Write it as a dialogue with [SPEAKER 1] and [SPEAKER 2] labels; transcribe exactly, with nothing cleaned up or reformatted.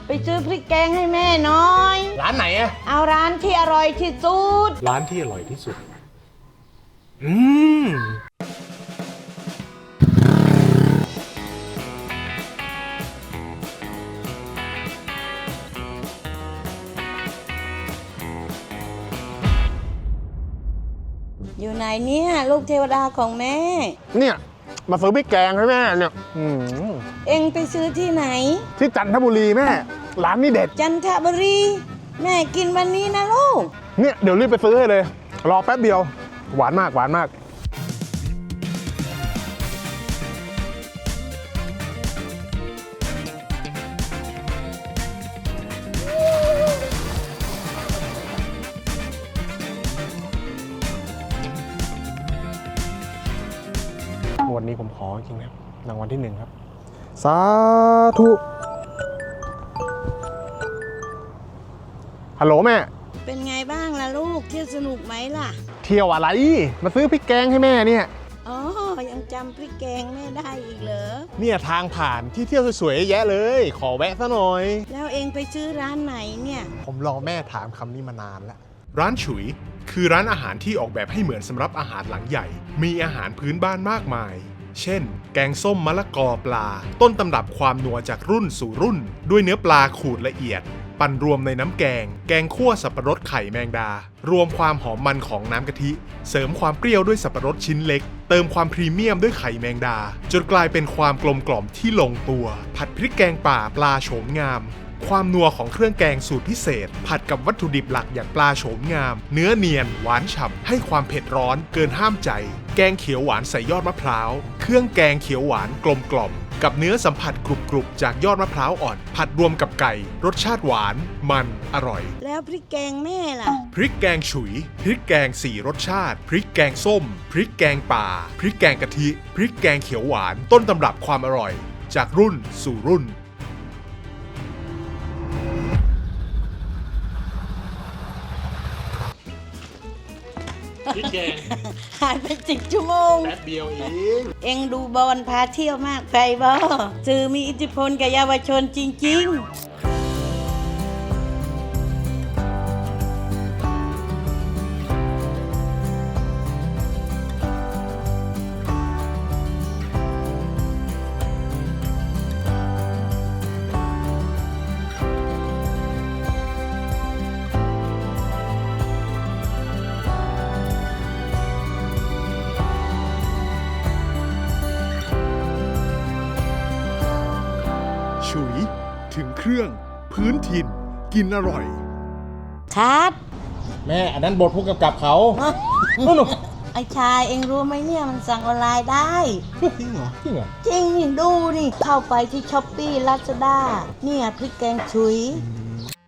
[SPEAKER 1] ไปซื้อพริกแกงให้แม่หน่อย
[SPEAKER 2] ร้านไหนอะ
[SPEAKER 1] เอาร้านที่อร่อยที่สุด
[SPEAKER 2] ร้านที่อร่อยที่สุด อืม
[SPEAKER 1] อยู่ไหนเนี่ยลูกเทวดาของแม่
[SPEAKER 3] เนี่ยมาซื้อพริกแกงให้แม่เนี่ยอืม
[SPEAKER 1] เอ็งไปซื้อที่ไหน
[SPEAKER 3] ที่จันทบุรีแม่ ร้านนี้เด็ด
[SPEAKER 1] จันทบุรี แม่กินวันนี้นะลูก
[SPEAKER 3] เนี่ยเดี๋ยวรีบไปซื้อให้เลย รอแป๊บเดียว หวานมากหวานมากวันนี้ผมขอจริงนะรางวัลที่หนึ่งครับ สาธุ ฮัลโหลแม่
[SPEAKER 1] เป็นไงบ้างล่ะลูกเที่ยวสนุกไหมล่ะ
[SPEAKER 3] เที่ยวอะไร มาซื้อพริกแกงให้แม่เนี่ย
[SPEAKER 1] อ๋อ ยังจำพริกแกงแม่ได้อีกเหรอ
[SPEAKER 3] เนี่ยทางผ่านที่เที่ยวสวยๆแยะเลย ขอแวะซะหน่อย
[SPEAKER 1] แล้วเอ็งไปซื้อร้านไหนเนี่ย
[SPEAKER 3] ผมรอแม่ถามคำนี้มานานแล้ว
[SPEAKER 2] ร้านฉุย คือร้านอาหารที่ออกแบบให้เหมือนสำหรับอาหารหลังใหญ่ มีอาหารพื้นบ้านมากมาย เช่น แกงส้มมะละกอปลา ต้นตำรับความนัวจากรุ่นสู่รุ่น ด้วยเนื้อปลาขูดละเอียด ปั่นรวมในน้ำแกง แกงคั่วสับปะรดไข่แมงดา รวมความหอมมันของน้ำกะทิ เสริมความเปรี้ยวด้วยสับปะรดชิ้นเล็ก เติมความพรีเมียมด้วยไข่แมงดา จนกลายเป็นความกลมกล่อมที่ลงตัว ผัดพริกแกงป่าปลาโฉมงาม ความนัวของเครื่องแกงสูตรพิเศษ ผัดกับวัตถุดิบหลักอย่างปลาโฉมงาม เนื้อเนียน หวานฉ่ำให้ความเผ็ดร้อนเกินห้ามใจ แกงเขียวหวานใส่ยอดมะพร้าว เครื่องแกงเขียวหวานกลมกล่อม กับเนื้อสัมผัสกรุบๆจากยอดมะพร้าวอ่อน ผัดรวมกับไก่ รสชาติหวาน มัน อร่อย
[SPEAKER 1] แล้วพริกแกงแม่ล่ะ
[SPEAKER 2] พริกแกงฉุย พริกแกงสี่รสชาติ พริกแกงส้ม พริกแกงป่า พริกแกงกะทิ พริกแกงเขียวหวาน ต้นตำรับความอร่อย จากรุ่นสู่รุ่น
[SPEAKER 3] พริกแกง
[SPEAKER 1] หายไปสิบชั่วโมง
[SPEAKER 3] แป๊บเดียวเอง
[SPEAKER 1] เอ็งดูบอลพาเที่ยวมากไปบ่สื่อมีอิทธิพลกับเยาวชนจริง ๆ
[SPEAKER 2] ฉุย ถึงเครื่อง พื้นถิ่น กินอร่อย
[SPEAKER 1] คัด
[SPEAKER 3] แม่อันนั้นบทผู้กำกับเขา
[SPEAKER 1] ไอชายเอ็งรู้ไหมเนี่ยมันสั่งออนไลน์ได้
[SPEAKER 3] จริงเหรอจริงเหรอ
[SPEAKER 1] จริงนี่ดูนี่ เข้าไปที่ช้อปปี้ลาซาด้าเนี่ยพริกแกงฉุย